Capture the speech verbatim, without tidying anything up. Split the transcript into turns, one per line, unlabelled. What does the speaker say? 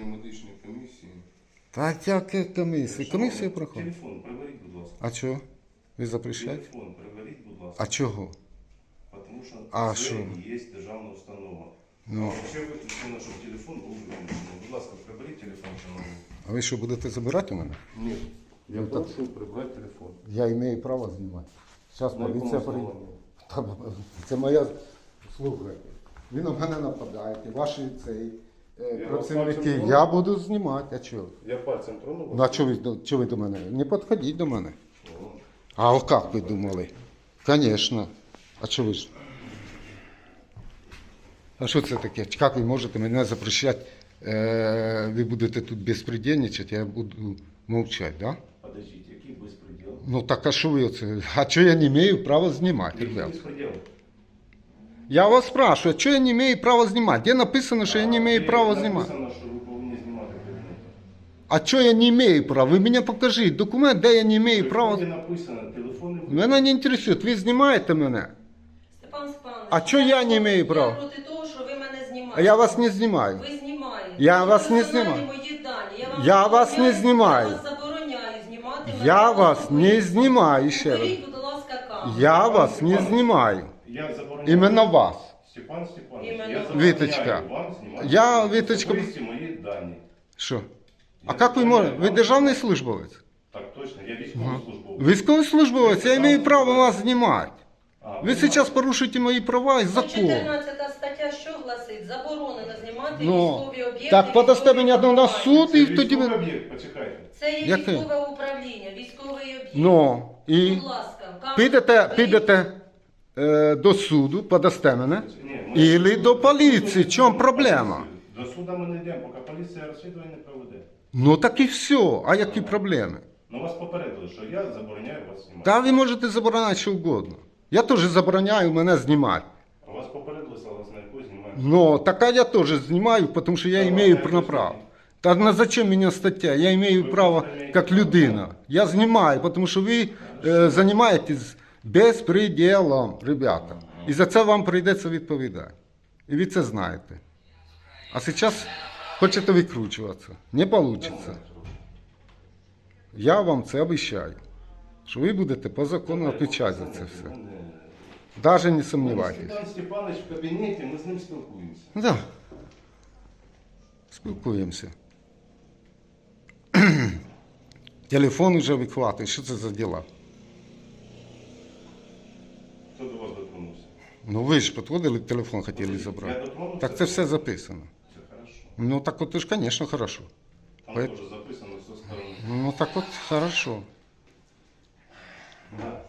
проходження медичної комісії.
Так яке комісія? Комісія проходить.
Телефон приберіть, будь ласка.
А чого? Ви запрещаєте?
Телефон приберіть, будь ласка.
А чого?
Тому що
А
це
що?
є державна установа.
Ну.
А ще виключено, щоб телефон був виключений. Будь ласка, приберіть телефон, шановний.
А ви що, будете забирати у мене?
Ні. Я
Ну, так-
прошу прибрати телефон.
Я маю право знімати. Зараз
На якому
поліція прийде.
основанні?
Та, Це моя слухайте. Ви на мене нападаєте, ваші цей е,
Я
працівники.
вас бачу,
Я буду знімати. А чого?
Я пальцем тронув вас?
Ну, а чого ви, до- чого ви до мене? Не підходіть до мене.
О.
А як ви думали? Звісно. А що ви ж? А що це таке? Як ви можете мене запрещати? Е, ви будете тут безпредельничати, я буду мовчати, да?
Подождите, який безпреділ?
Ну так а що ви оце? А що я не маю права знімати,
Який
ребят?
безпреділ?
Я вас спрашиваю, що я не маю права знімати? Де написано, що я не маю права знімати?
Написано, що ви повинні знімати предмети.
А що я не маю права? Ви мені покажіть документ, де я не маю права.
Де написано, телефони...
Мене не інтересує, ви знімаєте мене.
Степан Степанович,
А чого я не маю права?
Я проти того, що ви мене знімаєте.
А я вас не знімаю.
Ви знімаєте.
Я
Це
вас не
персональні
знімаю.
мої дані. Я, вам
Я вас не
забороняю-
знімаю.
Я вас забороняю знімати мене.
Я вас не знімаю ще раз.
Уберіть, будь ласка, камеру.
Я вас не знімаю.
Я забороняю...
Іменно вас.
Степан Степанович,
Іменно
я
вас.
забороняю
Віточка.
вам знімати
Я, Віточка-
особисті мої дані.
Що? А
Я
як ви можете? Ви
забороняю
державний
вам-
службовець?
Так точно, я військовослужбовець.
Військовослужбовець, я маю право вас знімати.
А,
Ви зараз порушуєте мої права і закон.
чотирнадцята стаття що гласить? Заборонено знімати
Ну,
військові об'єкти.
так подасте
військові
мене на суд
Це
і тоді
військовий
ви...
об'єкт, почекайте.
Це є
Яке?
військове управління, військовий об'єкт.
Ну, і
Будь ласка, камеру
підете,
заберіть.
підете е, до суду, подасте мене.
Ні, ми-
Ілі до поліції. В чому проблема?
До суду ми не йдемо, поки поліція розслідування не проведе.
Ну так і все. А які проблеми?
Ну вас попередили, що я забороняю вас знімати.
Та ви можете забороняти що угодно. Я теж забороняю мене знімати.
А вас попередили, але на яку знімаєте.
Но така я теж знімаю, тому що я
Та
имею
ладно,
на
якось
право.
ні.
Та на зачем мені стаття? Я имею
Ви
право
просто маєте
як
право.
людина. Я знімаю, тому що ви е, займаєтесь безпреділом, ребята. І за це вам прийдеться відповідати. І ви це знаєте. А зараз хочете викручуватися. Не вийде. Я вам це обіцяю. Що ви будете по закону відповідати за це все. Навіть не сумнівайтесь.
Степан Степанович в кабінеті, ми з ним спілкуємося.
Да. Спілкуємося. Телефон вже вихватує. Що це за діла?
Хто до вас дотронувся?
Ну ви ж підходили, телефон хотіли
Я
забрати.
дотронувся?
Так це все записано.
Це хорошо.
Ну так от ж, звісно, хорошо.
Там
Поэт-
теж записано все сторони.
Ну так от хорошо.
Да.